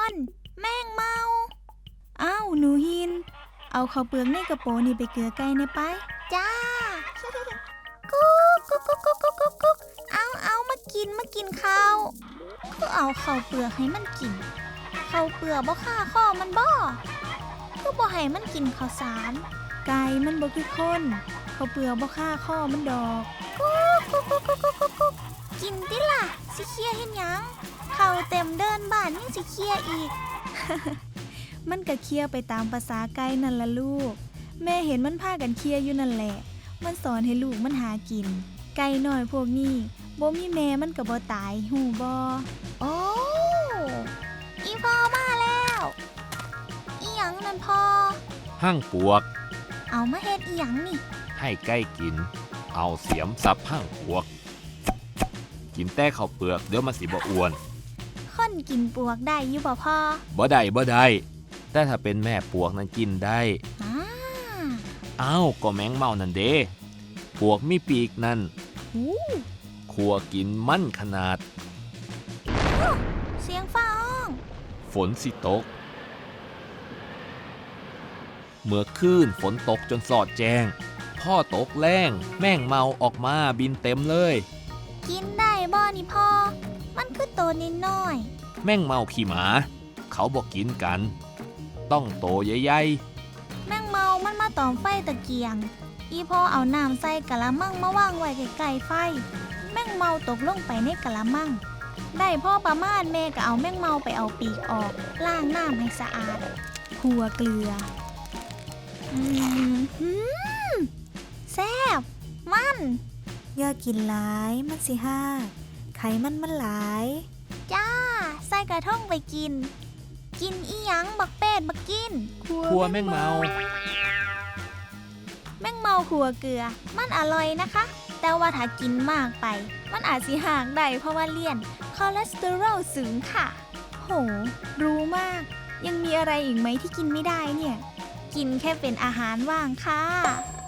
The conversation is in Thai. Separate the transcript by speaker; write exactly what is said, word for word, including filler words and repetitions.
Speaker 1: แม่งเมาอ้าวหนูหินเอาข้าวเปลือกในกระโปรงนี่ไปเกลือไก่ในไปจ้า กุ๊กกุ๊กกุ๊กกุ๊กกุ๊กกุ๊กกุ๊กเอาเอามากินมากินข้าวคือเอาข้าวเปลือกให้มันกินข้าวเปลือกบ่ฆ่าข้อมันบ่คือบ่ให้มันกินข้าวสารไก่มันบ่คือคนข้าวเปลือกบ่ฆ่าข้อมันดอกกุ๊กกุ๊กกุ๊กกุ๊กกุ๊กกุ๊กกุ๊กกินติล่ะสิเคลียร์เฮ็ดหยังข้าวเต็มเดินบ้านยังสิเคลียร์อีก มันก็เคลียร์ไปตามภาษาไก่นั่นล่ะลูกแม่เห็นมันพากันเคลียร์อยู่นั่นแหละมันสอนให้ลูกมันหากินไก่น้อยพวกนี้บ่มีแม่มันก็บ่ตายหูบ่โอ้อีพ่อมาแล้วอีหยังนั่นพ่อ
Speaker 2: หั่งปวก
Speaker 1: เอามาเฮ็ดอีหยังนี่
Speaker 2: ให้ไก่กินเอาเสียมสับหั่งปวกกินแต่ข้าวเปลือกเดี๋ยวมันสิบ่อ้วน
Speaker 1: คนกินปวกได้อยู่บ่พ่อ
Speaker 2: บ่ได้บ่ได้แต่ถ้าเป็นแม่ปวกนั้นกินได้
Speaker 1: อ้า
Speaker 2: อ้าวก็แมงเม่านั่นเด้ปวกมีปีกนั่นขัวกินมันขนาด
Speaker 1: เสียงฟ้าห้อง
Speaker 2: ฝนสิตกเมื่อคืนฝนตกจนสอดแจ้งพ่อตกแรงแม่งเมาออกมาบินเต็มเลย
Speaker 1: กินได้บ่นี่พ่อมันคือโตนิดหน่อย
Speaker 2: แม่งเมาขี้หมาเขาบอกกินกันต้องโตใหญ่
Speaker 1: ๆแม่งเมามันมาตอมไฟตะเกียงอีพ่อเอาน้ำใส่กะละมังมาวางไว้ใกล้ๆไฟแม่งเมาตกลงไปในกะละมังได้พ่อประมาณแม่ก็เอาแม่งเมาไปเอาปีกออกล้างน้ำให้สะอาดขั่วเกลืออืมหืมแซ่บมันอย่ากินหลายมันสิห้าไขมันมันหลายจ้าใส่กระท่องไปกินกินอีหยังบักเป็ดบักกิน
Speaker 2: ขั่วแม่งเมา
Speaker 1: แม่งเมาขั่วเกลือมันอร่อยนะคะแต่ว่าถ้ากินมากไปมันอาจสิห่างได้เพราะว่าเลี่ยนคอเลสเตอรอลสูงค่ะโหรู้มากยังมีอะไรอีกไหมที่กินไม่ได้เนี่ยกินแค่เป็นอาหารว่างค่ะ